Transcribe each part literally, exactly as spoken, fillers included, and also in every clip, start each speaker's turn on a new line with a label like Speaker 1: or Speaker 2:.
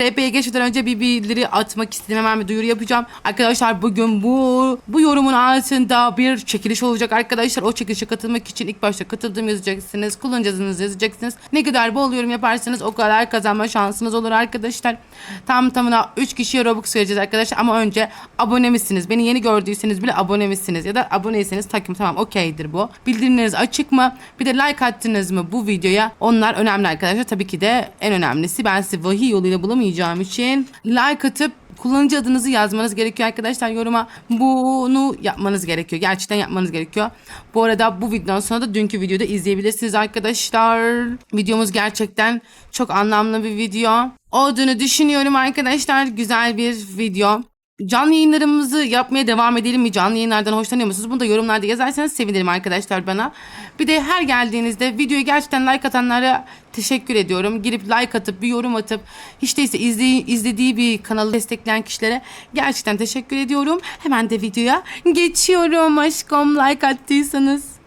Speaker 1: R P'ye geçmeden önce bir bildiri atmak istedim. Hemen bir duyuru yapacağım. Arkadaşlar bugün bu bu yorumun altında bir çekiliş olacak arkadaşlar. O çekilişe katılmak için ilk başta katıldığım yazacaksınız. Kullanıcı adınızı yazacaksınız. Ne kadar bol yorum yaparsanız o kadar kazanma şansınız olur arkadaşlar. Tam tamına üç kişiye Robux vereceğiz arkadaşlar. Ama önce abone misiniz? Beni yeni gördüyseniz bile abone misiniz? Ya da aboneyseniz takım tamam okeydir bu. Bildirimleriniz açık mı? Bir de like attınız mı bu videoya? Onlar önemli arkadaşlar. Tabii ki de en önemlisi ben sizi vahiy yoluyla bulamayacağım için like atıp kullanıcı adınızı yazmanız gerekiyor arkadaşlar yoruma. Bunu yapmanız gerekiyor. Gerçekten yapmanız gerekiyor. Bu arada bu videodan sonra da dünkü videoda izleyebilirsiniz arkadaşlar. Videomuz gerçekten çok anlamlı bir video olduğunu düşünüyorum arkadaşlar. Güzel bir video. Canlı yayınlarımızı yapmaya devam edelim mi? Canlı yayınlardan hoşlanıyor musunuz? Bunu da yorumlarda yazarsanız sevinirim arkadaşlar bana. Bir de her geldiğinizde videoya gerçekten like atanlara teşekkür ediyorum. Girip like atıp bir yorum atıp hiç değilse izley- izlediği bir kanalı destekleyen kişilere gerçekten teşekkür ediyorum. Hemen de videoya geçiyorum aşkım like attıysanız.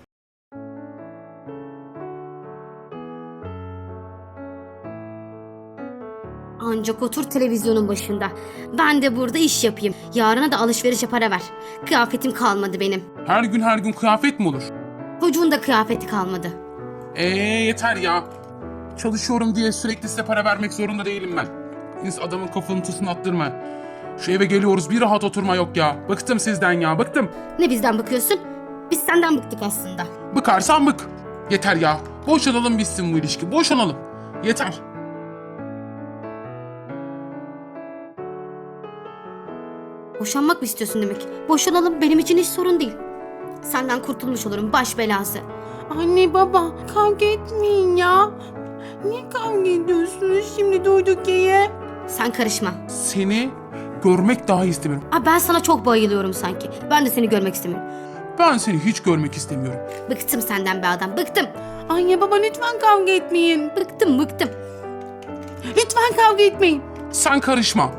Speaker 2: Ancak otur televizyonun başında. Ben de burada iş yapayım. Yarına da alışverişe para ver. Kıyafetim kalmadı benim.
Speaker 3: Her gün her gün kıyafet mi olur?
Speaker 2: Çocuğun da kıyafeti kalmadı.
Speaker 3: Eee yeter ya. Çalışıyorum diye sürekli size para vermek zorunda değilim ben. Siz adamın kafanın attırma. Şu eve geliyoruz bir rahat oturma yok ya. Bıktım sizden ya bıktım.
Speaker 2: Ne bizden bakıyorsun? Biz senden bıktık aslında.
Speaker 3: Bıkarsan bık. Yeter ya. Boşanalım bitsin bu ilişki. Boşanalım. Yeter.
Speaker 2: Boşanmak mı istiyorsun demek? Boşanalım, benim için hiç sorun değil. Senden kurtulmuş olurum, baş belası.
Speaker 1: Anne baba kavga etmeyin ya. Niye kavga ediyorsunuz şimdi durduk yere?
Speaker 2: Sen karışma.
Speaker 3: Seni görmek daha istemiyorum.
Speaker 2: Aa, ben sana çok bayılıyorum sanki. Ben de seni görmek istemiyorum.
Speaker 3: Ben seni hiç görmek istemiyorum.
Speaker 2: Bıktım senden be adam, bıktım.
Speaker 1: Anne baba lütfen kavga etmeyin.
Speaker 2: Bıktım, bıktım.
Speaker 1: Lütfen kavga etmeyin.
Speaker 3: Sen karışma.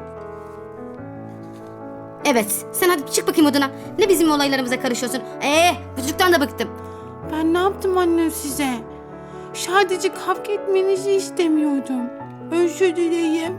Speaker 2: Evet, sen hadi çık bakayım odana. Ne bizim olaylarımıza karışıyorsun? Ee, bu çocuktan da bıktım.
Speaker 1: Ben ne yaptım anne size? Sadece kavga etmenizi istemiyordum. Özür dileyim.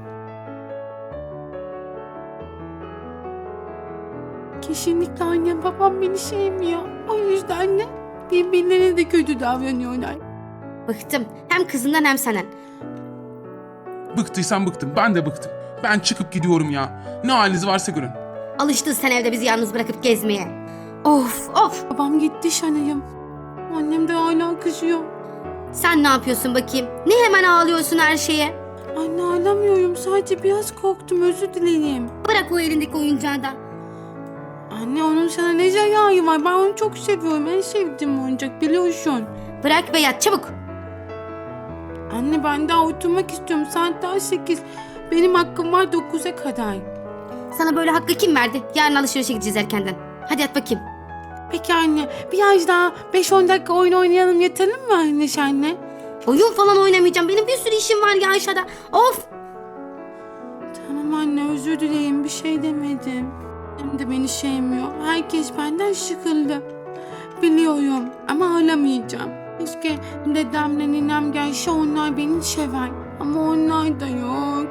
Speaker 1: Kesinlikle annem babam beni sevmiyor. O yüzden de birbirlerine de kötü davranıyorlar.
Speaker 2: Bıktım. Hem kızından hem senden.
Speaker 3: Bıktıysan bıktım. Ben de bıktım. Ben çıkıp gidiyorum ya. Ne haliniz varsa görün.
Speaker 2: Alıştın sen evde bizi yalnız bırakıp gezmeye. Of of.
Speaker 1: Babam gitti şanayım. Annem de hala kızıyor.
Speaker 2: Sen ne yapıyorsun bakayım? Ne hemen ağlıyorsun her şeye?
Speaker 1: Anne ağlamıyorum. Sadece biraz korktum. Özür dileyim.
Speaker 2: Bırak o elindeki oyuncağı da.
Speaker 1: Anne onun sana ne zararı var? Ben onu çok seviyorum. En sevdiğim oyuncak biliyorsun.
Speaker 2: Bırak ve yat çabuk.
Speaker 1: Anne ben daha oturmak istiyorum. Saat daha sekiz. Benim hakkım var dokuza kadar.
Speaker 2: Sana böyle hakkı kim verdi? Yarın alışverişe gideceğiz erkenden. Hadi yat bakayım.
Speaker 1: Peki anne biraz daha beş on dakika oyun oynayalım yetelim mi anne senle?
Speaker 2: Oyun falan oynamayacağım. Benim bir sürü işim var ya aşağıda. Of.
Speaker 1: Tamam anne özür dileyim bir şey demedim. Hem de beni sevmiyor. Herkes benden sıkıldı. Biliyorum ama ağlamayacağım. Keşke dedemle ninem gelse onlar beni sever. Ama onlar da yok.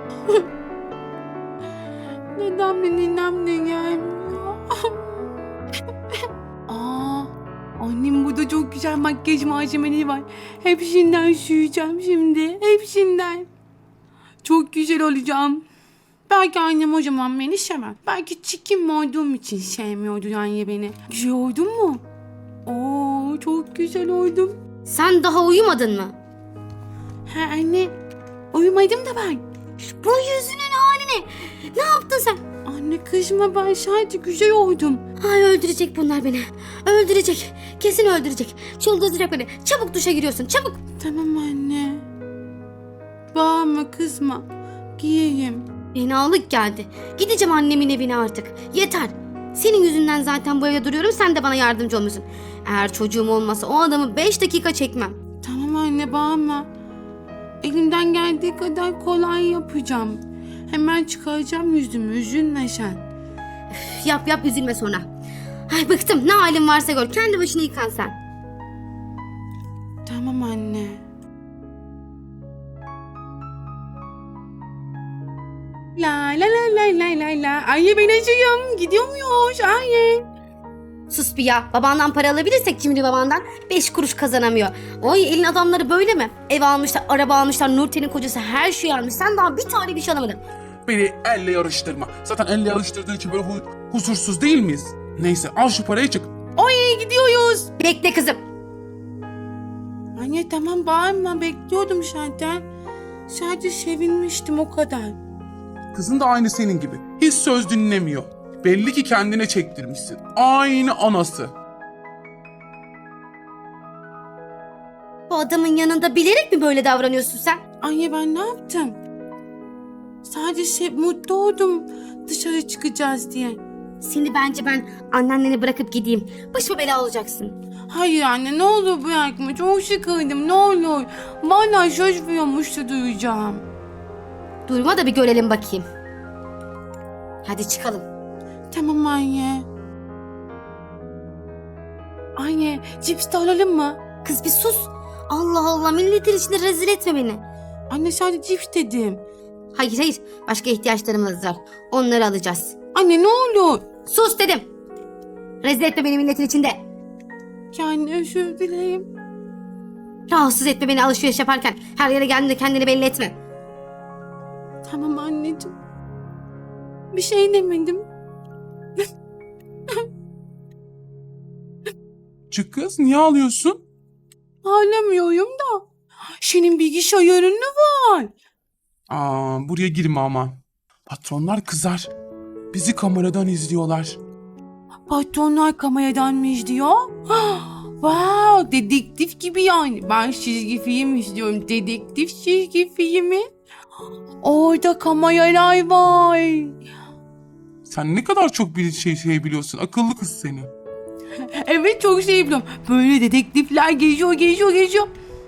Speaker 1: Dedemle ninem de gelmiyor. Aa, annem burada çok güzel makyaj malzemeleri var. Hepsinden süreceğim şimdi. Hepsinden. Çok güzel olacağım. Belki annem o zaman beni sevmez. Belki çirkin olduğum için sevmiyordu yani beni. Güzel oldum mu? Oo, çok güzel oldum.
Speaker 2: Sen daha uyumadın mı?
Speaker 1: Ha anne, uyumadım da ben.
Speaker 2: Bu yüzünün haline. Ne yaptın sen?
Speaker 1: Anne kızma ben sadece güzel oldum.
Speaker 2: Ay öldürecek bunlar beni. Öldürecek. Kesin öldürecek. Çıldıracak beni. Çabuk duşa giriyorsun. Çabuk.
Speaker 1: Tamam anne. Bağırma kızma. Giyeyim.
Speaker 2: Fenalık geldi. Gideceğim annemin evine artık. Yeter. Senin yüzünden zaten bu evde duruyorum. Sen de bana yardımcı olmuyorsun. Eğer çocuğum olmasa o adamı beş dakika çekmem.
Speaker 1: Tamam anne bağırma. Elimden geldiği kadar kolay yapacağım. Hemen çıkaracağım yüzümü. Üzülme sen.
Speaker 2: Üf, yap yap üzülme sonra. Ay bıktım. Ne halin varsa gör. Kendi başına yıkan sen.
Speaker 1: Tamam anne. La la la la la la la. Anne ben acıyım. Gidiyor muyuz? Anne.
Speaker 2: Sus bir ya. Babandan para alabilirsek cimri babandan beş kuruş kazanamıyor. Oy elin adamları böyle mi? Ev almışlar, araba almışlar, Nurten'in kocası her şeyi almış. Sen daha bir tane bir şey alamadın.
Speaker 3: Beni elle yarıştırma. Zaten elle yarıştırdığın için böyle hu- huzursuz değil miyiz? Neyse al şu parayı çık.
Speaker 1: Oy gidiyoruz.
Speaker 2: Bekle kızım.
Speaker 1: Anne tamam bağırma. Bekliyordum zaten. Sadece sevinmiştim o kadar.
Speaker 3: Kızın da aynı senin gibi. Hiç söz dinlemiyor. Belli ki kendine çektirmişsin. Aynı anası.
Speaker 2: Bu adamın yanında bilerek mi böyle davranıyorsun sen?
Speaker 1: Anne ben ne yaptım? Sadece şey, mutlu oldum dışarı çıkacağız diye.
Speaker 2: Seni bence ben anneanneni bırakıp gideyim. Başıma bela olacaksın.
Speaker 1: Hayır anne ne olur bırakma. Çok sıkıldım ne olur. Vallahi söz veriyormuştu duyacağım.
Speaker 2: Durma da bir görelim bakayım. Hadi çıkalım.
Speaker 1: Tamam anne. Anne cips de alalım mı?
Speaker 2: Kız bir sus. Allah Allah milletin içinde rezil etme beni.
Speaker 1: Anne sadece cips dedim.
Speaker 2: Hayır hayır başka ihtiyaçlarımız var. Onları alacağız.
Speaker 1: Anne ne olur.
Speaker 2: Sus dedim. Rezil etme beni milletin içinde.
Speaker 1: Yani özür dilerim.
Speaker 2: Rahatsız etme beni alışveriş yaparken. Her yere geldiğinde kendini belli etme.
Speaker 1: Tamam anneciğim. Bir şey demedim.
Speaker 3: Çık kız niye ağlıyorsun?
Speaker 1: Ağlamıyorum da. Senin bilgisayarın ne var?
Speaker 3: Aa, buraya girme ama. Patronlar kızar. Bizi kameradan izliyorlar.
Speaker 1: Patronlar kameradan mı izliyor? Wow, dedektif gibi yani. Ben çizgi film izliyorum. Dedektif çizgi filmi. Orada kameralar var.
Speaker 3: Sen ne kadar çok bir şey, şey biliyorsun. Akıllı kız seni.
Speaker 1: Evet çok şey biliyorum. Böyle dedektifler geziyor, geziyor, geziyor.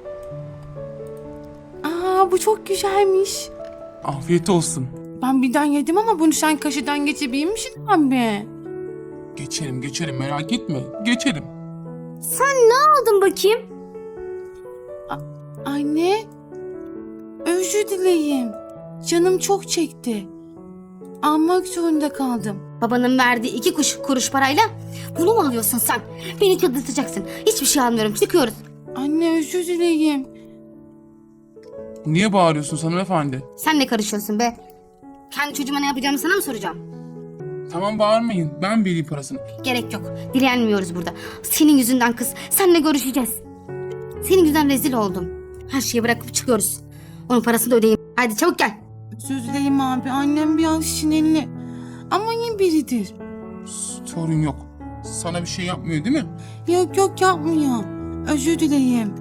Speaker 1: Aa bu çok güzelmiş.
Speaker 3: Afiyet olsun.
Speaker 1: Ben birden yedim ama bunu sen kaşıdan geçebilir misin abi?
Speaker 3: Geçerim geçerim merak etme. Geçerim.
Speaker 2: Aldın bakayım.
Speaker 1: Anne, özür dileyim. Canım çok çekti. Almak zorunda kaldım.
Speaker 2: Babanın verdiği iki kuş, kuruş parayla bunu mu alıyorsun sen? Beni çıldırtacaksın. Hiçbir şey almıyorum. Çıkıyoruz.
Speaker 1: Anne özür dileyim.
Speaker 3: Niye bağırıyorsun hanımefendi?
Speaker 2: Sen ne karışıyorsun be? Kendi çocuğuma ne yapacağımı sana mı soracağım?
Speaker 3: Tamam bağırmayın. Ben vereyim parasını.
Speaker 2: Gerek yok. Dilenmiyoruz burada. Senin yüzünden kız. Seninle görüşeceğiz. Senin yüzünden rezil oldum. Her şeyi bırakıp çıkıyoruz. Onun parasını da ödeyeyim. Hadi çabuk gel.
Speaker 1: Özür dileyim abi. Annem biraz sinirli. Ama iyi biridir.
Speaker 3: Sorun yok. Sana bir şey yapmıyor değil mi?
Speaker 1: Yok yok yapmıyor. Özür dileyim.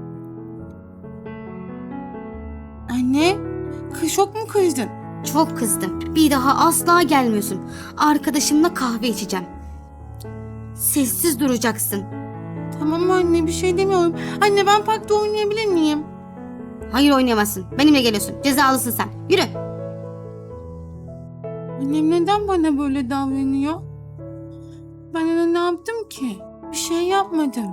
Speaker 1: Anne, kız çok mu kızdın?
Speaker 2: Çok kızdım. Bir daha asla gelmiyorsun. Arkadaşımla kahve içeceğim. Sessiz duracaksın.
Speaker 1: Tamam anne bir şey demiyorum. Anne ben parkta oynayabilir miyim?
Speaker 2: Hayır oynayamazsın. Benimle geliyorsun. Cezalısın sen. Yürü.
Speaker 1: Annem neden bana böyle davranıyor? Ben ona ne yaptım ki? Bir şey yapmadım.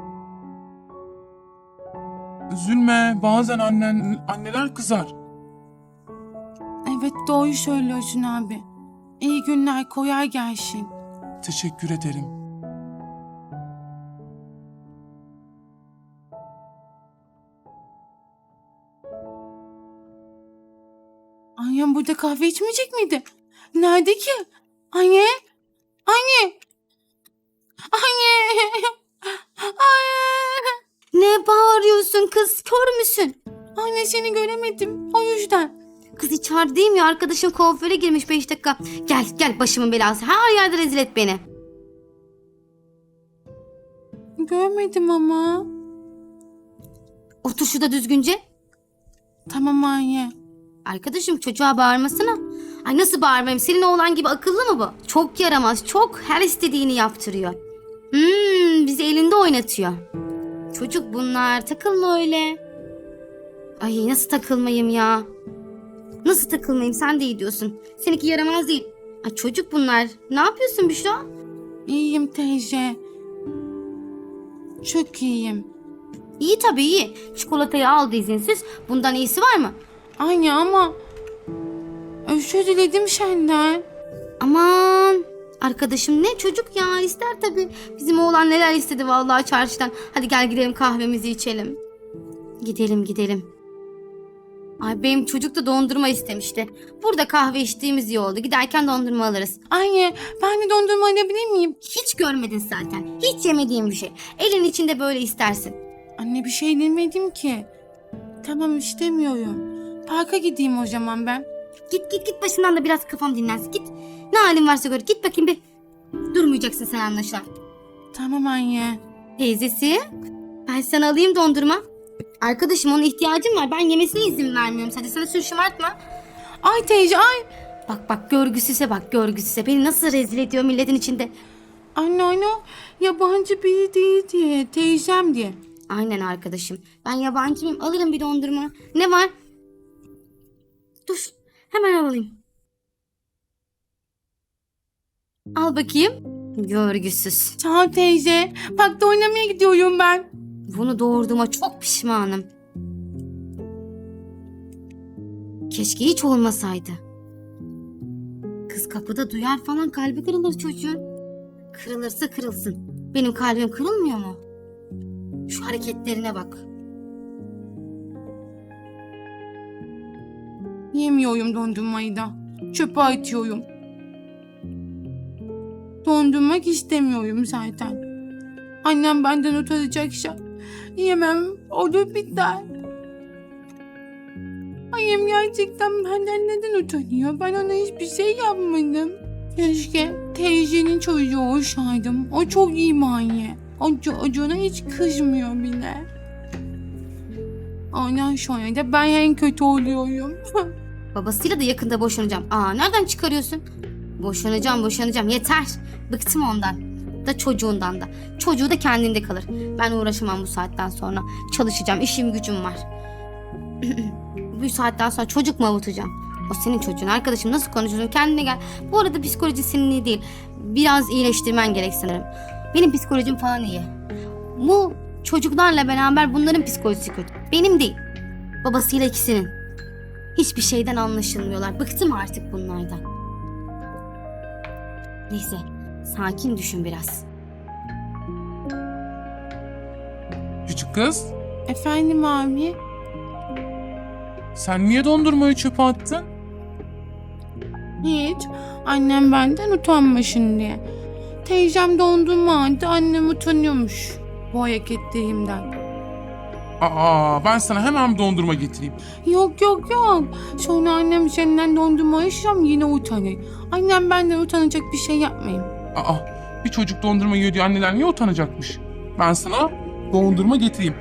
Speaker 3: Üzülme. Bazen annen, anneler kızar.
Speaker 1: Evet doğru söylüyorsun abi. İyi günler kolay gelsin.
Speaker 3: Teşekkür ederim.
Speaker 1: Annem burada kahve içmeyecek miydi? Nerede ki? Anne? Anne? Anne? Anne?
Speaker 2: Ne bağırıyorsun kız? Kör müsün?
Speaker 1: Anne seni göremedim. O yüzden.
Speaker 2: Kız içerideyim ya. Arkadaşın kuaföre girmiş beş dakika. Gel gel başımın belası. Her yerde rezil et beni.
Speaker 1: Görmedim ama.
Speaker 2: Otur şurada düzgünce.
Speaker 1: Tamam anne.
Speaker 2: Arkadaşım çocuğa bağırmasana. Ay nasıl bağırmayayım? Senin oğlan gibi akıllı mı bu? Çok yaramaz. Çok her istediğini yaptırıyor. Hmm, bizi elinde oynatıyor. Çocuk bunlar. Takılma öyle. Ay nasıl takılmayayım ya? Nasıl takılmayayım? Sen de iyi diyorsun. Seninki yaramaz değil. Ay çocuk bunlar. Ne yapıyorsun Büşra?
Speaker 1: İyiyim teyze. Çok iyiyim.
Speaker 2: İyi tabii iyi. Çikolatayı aldı izinsiz. Bundan iyisi var mı?
Speaker 1: Anne ama Özür diledim senden.
Speaker 2: Aman arkadaşım ne çocuk ya, ister tabii. Bizim oğlan neler istedi vallahi çarşıdan. Hadi gel gidelim kahvemizi içelim. Gidelim gidelim. Ay benim çocuk da dondurma istemişti. Burada kahve içtiğimiz iyi oldu. Giderken dondurma alırız.
Speaker 1: Anne ben de dondurma alabilir miyim?
Speaker 2: Hiç görmedin zaten. Hiç yemediğim bir şey. Elin içinde böyle istersin.
Speaker 1: Anne bir şey demedim ki. Tamam istemiyorum. Parka gideyim o zaman ben.
Speaker 2: Git git git başından da biraz kafam dinlensin. Git. Ne halin varsa gör. Git bakayım bir. Durmayacaksın sen anlaşılan.
Speaker 1: Tamam anne.
Speaker 2: Teyzesi, ben sana alayım dondurma. Arkadaşım onun ihtiyacım var. Ben yemesine izin vermiyorum. Sadece sana sür şımartma.
Speaker 1: Ay teyze ay.
Speaker 2: Bak bak görgüsüze bak görgüsüze. Beni nasıl rezil ediyor milletin içinde.
Speaker 1: Anne anne yabancı biri değil diye. Teyzem diye.
Speaker 2: Aynen arkadaşım. Ben yabancı mıyım? Alırım bir dondurma. Ne var? Dur. Hemen alayım. Al bakayım. Görgüsüz.
Speaker 1: Sağ ol teyze. Parkta oynamaya gidiyorum ben.
Speaker 2: Bunu doğurduğuma çok pişmanım. Keşke hiç olmasaydı. Kız kapıda duyar falan, kalbi kırılır çocuğun. Kırılırsa kırılsın. Benim kalbim kırılmıyor mu? Şu hareketlerine bak.
Speaker 1: Yemiyorum dondurmayı da. Çöpe atıyorum. Dondurmak istemiyorum zaten. Annem benden utanacaksa yemem, olur biter. Annem gerçekten benden neden utanıyor? Ben ona hiçbir şey yapmadım. Keşke teyzenin çocuğu olsaydım. O çok iyi manyak. O çocuğuna hiç kızmıyor bile. Ondan sonra da ben en kötü oluyorum.
Speaker 2: Babasıyla da yakında boşanacağım. Aa nereden çıkarıyorsun? Boşanacağım boşanacağım yeter. Bıktım ondan. Da çocuğundan da. Çocuğu da kendinde kalır. Ben uğraşamam bu saatten sonra. Çalışacağım, işim gücüm var. Bu saatten sonra çocuk mu avutacağım? O senin çocuğun. Arkadaşım nasıl konuşuyorsun? Kendine gel. Bu arada psikoloji senin iyi değil. Biraz iyileştirmen gerek sanırım. Benim psikolojim falan iyi. Bu çocuklarla beraber bunların psikolojisi kötü. Benim değil. Babasıyla ikisinin. Hiçbir şeyden anlaşılmıyorlar. Bıktım artık bunlardan. Neyse, sakin düşün biraz.
Speaker 3: Küçük kız,
Speaker 1: Efendim abi?
Speaker 3: sen niye dondurmayı çöpe attın?
Speaker 1: Hiç. Annem benden utanmasın diye. Teyzem dondurma aldı, annem utanıyormuş bu hareketlerimden.
Speaker 3: Aa, ben sana hemen bir dondurma getireyim.
Speaker 1: Yok yok yok. Sonra annem senden dondurma yaşam yine utanır. Annem benden utanacak bir şey yapmayayım.
Speaker 3: Aa, bir çocuk dondurma yiyor diye anneler niye utanacakmış? Ben sana dondurma getireyim.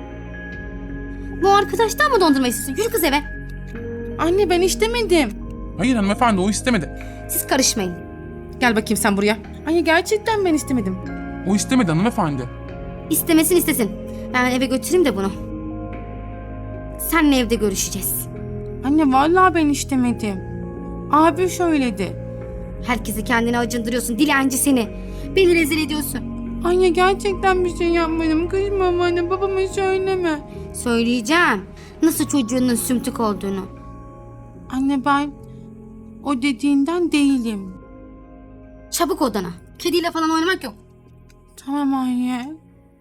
Speaker 2: Bu arkadaştan mı dondurma istiyorsun? Yürü kız eve.
Speaker 1: Anne ben istemedim.
Speaker 3: Hayır hanımefendi, o istemedi.
Speaker 2: Siz karışmayın.
Speaker 1: Gel bakayım sen buraya. Anne gerçekten ben istemedim.
Speaker 3: O istemedi hanımefendi.
Speaker 2: İstemesin istesin. Ben eve götüreyim de bunu. Seninle evde görüşeceğiz.
Speaker 1: Anne vallahi ben istemedim. Abi söyledi.
Speaker 2: Herkesi kendine acındırıyorsun. Dilenci seni. Beni rezil ediyorsun.
Speaker 1: Anne gerçekten bir şey yapmadım. Kızma bana, babama söyleme.
Speaker 2: Söyleyeceğim. Nasıl çocuğunun sümtük olduğunu.
Speaker 1: Anne ben o dediğinden değilim.
Speaker 2: Çabuk odana. Kediyle falan oynamak yok.
Speaker 1: Tamam anne.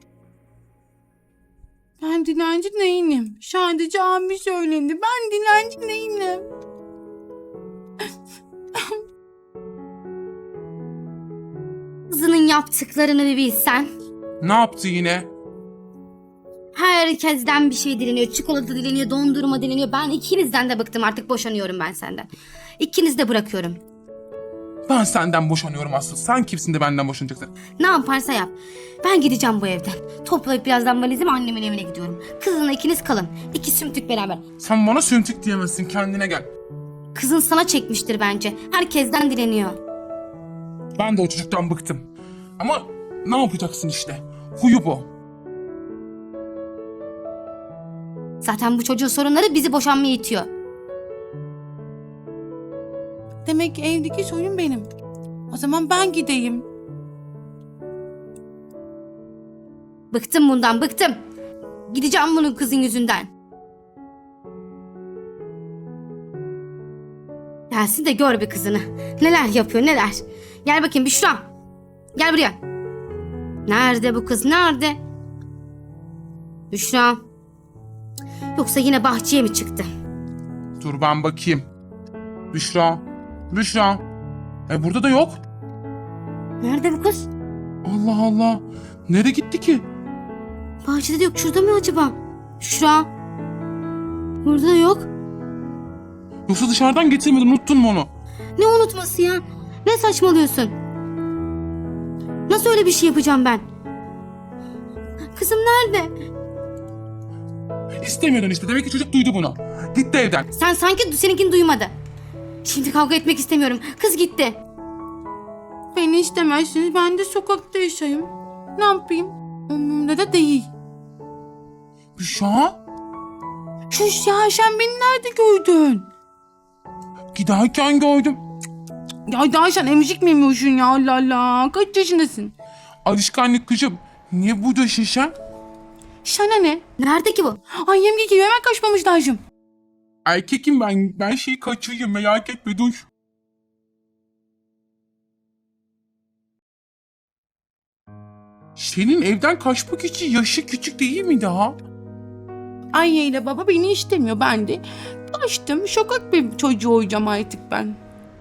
Speaker 1: Ben dilenci değilim. Sadece abi söyledi. Ben dilenci değilim.
Speaker 2: Kızının yaptıklarını bir bilsen.
Speaker 3: Ne yaptı yine?
Speaker 2: Herkesten bir şey dileniyor. Çikolata dileniyor, dondurma dileniyor. Ben ikinizden de bıktım, artık boşanıyorum ben senden. İkinizi de bırakıyorum.
Speaker 3: Ben senden boşanıyorum asıl. Sen kimsin de benden boşanacaksın?
Speaker 2: Ne yaparsa yap. Ben gideceğim bu evden. Toplayıp birazdan valizimi annemin evine gidiyorum. Kızınla ikiniz kalın. İki sümtük beraber.
Speaker 3: Sen bana sümtük diyemezsin, kendine gel.
Speaker 2: Kızın sana çekmiştir bence. Herkesten dileniyor.
Speaker 3: Ben de o çocuktan bıktım. Ama ne yapacaksın işte? Huyu bu.
Speaker 2: Zaten bu çocuğun sorunları bizi boşanmaya itiyor.
Speaker 1: Demek ki evdeki sorun benim. O zaman ben gideyim.
Speaker 2: Bıktım bundan, bıktım. Gideceğim bunun kızın yüzünden. Gelsin de gör bir kızını. Neler yapıyor neler. Gel bakayım Büşra. Gel buraya. Nerede bu kız nerede? Büşra. Yoksa yine bahçeye mi çıktı?
Speaker 3: Dur ben bakayım. Büşra. Büşra. E burada da yok.
Speaker 2: Nerede bu kız?
Speaker 3: Allah Allah. Nereye gitti ki?
Speaker 2: Bahçede de yok. Şurada mı acaba? Büşra. Burada da yok.
Speaker 3: Yoksa dışarıdan getirmedin, unuttun mu onu?
Speaker 2: Ne unutması ya? Ne saçmalıyorsun? Nasıl öyle bir şey yapacağım ben? Kızım nerede?
Speaker 3: İstemiyordun işte. Demek ki çocuk duydu bunu. Gitti evden.
Speaker 2: Sen sanki seninkini duymadı. Şimdi kavga etmek istemiyorum. Kız gitti.
Speaker 1: Beni istemezsiniz, ben de sokakta yaşayayım. Ne yapayım? Umurumda da değil.
Speaker 3: Büşra.
Speaker 1: Şuş ya, sen beni nerede gördün?
Speaker 3: Giderken gördüm.
Speaker 1: Ya daha sen emzik mi yemiyorsun ya, Allah Allah. Kaç yaşındasın?
Speaker 3: Alışkanlık kızım. Niye burada şişen?
Speaker 1: Sana ne?
Speaker 2: Nerede ki bu?
Speaker 1: Ay yemge gibi hemen kaçmamış lazım.
Speaker 3: Erkekim ben. Ben şeyi kaçırayım, merak etme, dur. Senin evden kaçmak için yaşı küçük değil mi daha?
Speaker 1: Anne ile baba beni istemiyor, ben de kaçtım. Sokak bir çocuğu olacağım artık ben.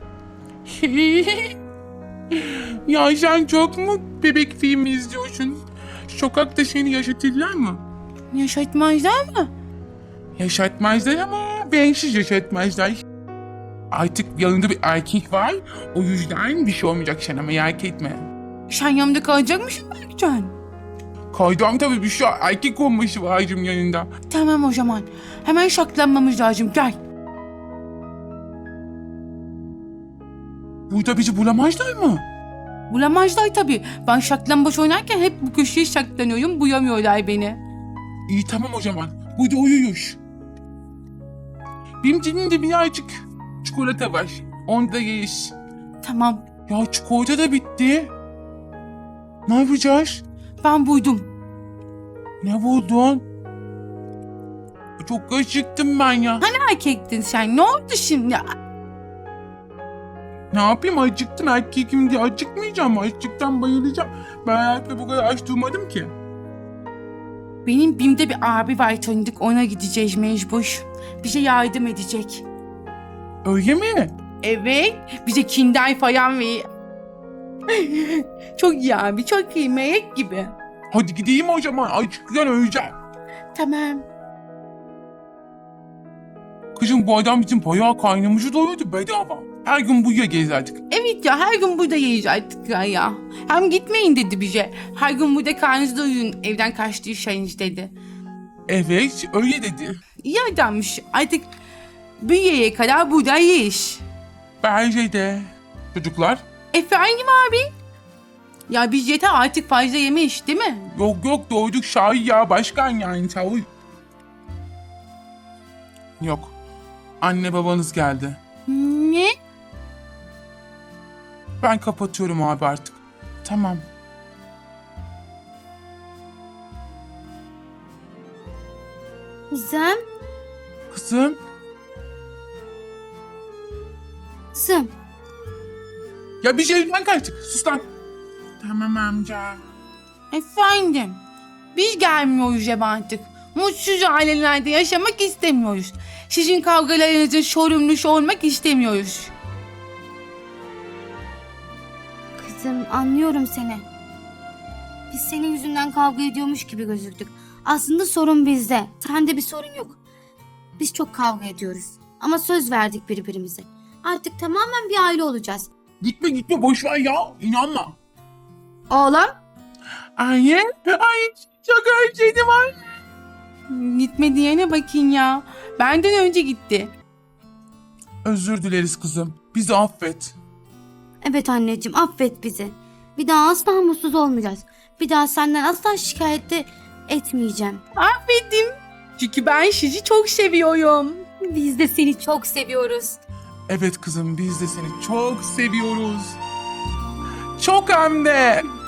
Speaker 3: Ya sen çok mu bebek filmi izliyorsun? Sokakta seni yaşatırlar mı?
Speaker 1: Yaşatmazlar mı?
Speaker 3: Yaşatmazlar ama bensiz yaşatmazlar. Artık yanında bir erkek var. O yüzden bir şey olmayacak sana, merak etme.
Speaker 1: Sen yanımda kalacak mısın Berkcan?
Speaker 3: Kaydam tabii bir şey, erkek olması lazım yanında.
Speaker 1: Tamam o zaman. Hemen saklanmamız lazım, gel.
Speaker 3: Burada bizi bulamazlar mı?
Speaker 1: Bulamazlar tabii. Ben saklambaç oynarken hep bu köşeye saklanıyorum. Buyamıyorlar beni.
Speaker 3: İyi tamam o zaman. Burada uyuyoruz. Benim cebimde birazcık çikolata var. Onu da yeriz.
Speaker 1: Tamam.
Speaker 3: Ya çikolata da bitti. Ne yapacağız?
Speaker 1: Ben buydum.
Speaker 3: Ne buldun? Çok acıktım ben ya.
Speaker 1: Hani erkektin sen? Ne oldu şimdi?
Speaker 3: Ne yapayım, acıktım, erkekim diye acıkmayacağım. Açlıktan bayılacağım. Ben hayatımda bu kadar aç durmadım ki.
Speaker 1: Benim BİM'de bir abi var tanıdık. Ona gideceğiz mecbur. Bize yardım edecek.
Speaker 3: Öyle mi?
Speaker 1: Evet. Bize kinder falan ve... Çok iyi abi. Çok iyi. Melek gibi.
Speaker 3: Hadi gideyim o zaman. Açlıktan öleceğim.
Speaker 1: Tamam.
Speaker 3: Kızım bu adam bizim bayağı kaynımızı doyurdu bedava. Her gün buraya gezerdik.
Speaker 1: Evet ya, her gün burada yiyeceğiz artık ya, ya. Hem gitmeyin dedi bize. Her gün burada karnınızda uyuyun. Evden kaçtıysanız dedi.
Speaker 3: Evet öyle dedi.
Speaker 1: İyi adammış. Artık büyüyeye kadar burada yiyiş.
Speaker 3: Bence de. Çocuklar?
Speaker 1: Efendim abi? Ya biz yeter artık, fazla yemiş değil mi?
Speaker 3: Yok yok doyduk Şahin ya, başkan yani çavuş. Yok. Anne babanız geldi.
Speaker 1: Ne?
Speaker 3: Ben kapatıyorum abi artık. Tamam.
Speaker 2: Kızım.
Speaker 3: Kızım.
Speaker 2: Kızım.
Speaker 3: Ya biz evden kaçtık. Sus lan. Tamam amca.
Speaker 1: Efendim? Biz gelmiyoruz eve artık. Mutsuz ailelerde yaşamak istemiyoruz. Sizin kavgalarınızın sorumlusu olmak istemiyoruz.
Speaker 2: Kızım anlıyorum seni. Biz senin yüzünden kavga ediyormuş gibi gözüktük. Aslında sorun bizde. Sende bir sorun yok. Biz çok kavga ediyoruz. Ama söz verdik birbirimize. Artık tamamen bir aile olacağız.
Speaker 3: Gitme gitme boş ver ya. İnanma.
Speaker 2: Oğlum.
Speaker 3: Anne. Ay çok özledim anne.
Speaker 1: Gitme diyene bakın ya. Benden önce gitti.
Speaker 3: Özür dileriz kızım. Bizi affet.
Speaker 2: Evet anneciğim affet bizi. Bir daha asla mutsuz olmayacağız. Bir daha senden asla şikayet de etmeyeceğim.
Speaker 1: Affettim. Çünkü ben sizi çok seviyorum.
Speaker 2: Biz de seni çok seviyoruz.
Speaker 3: Evet kızım biz de seni çok seviyoruz. Çok hem de.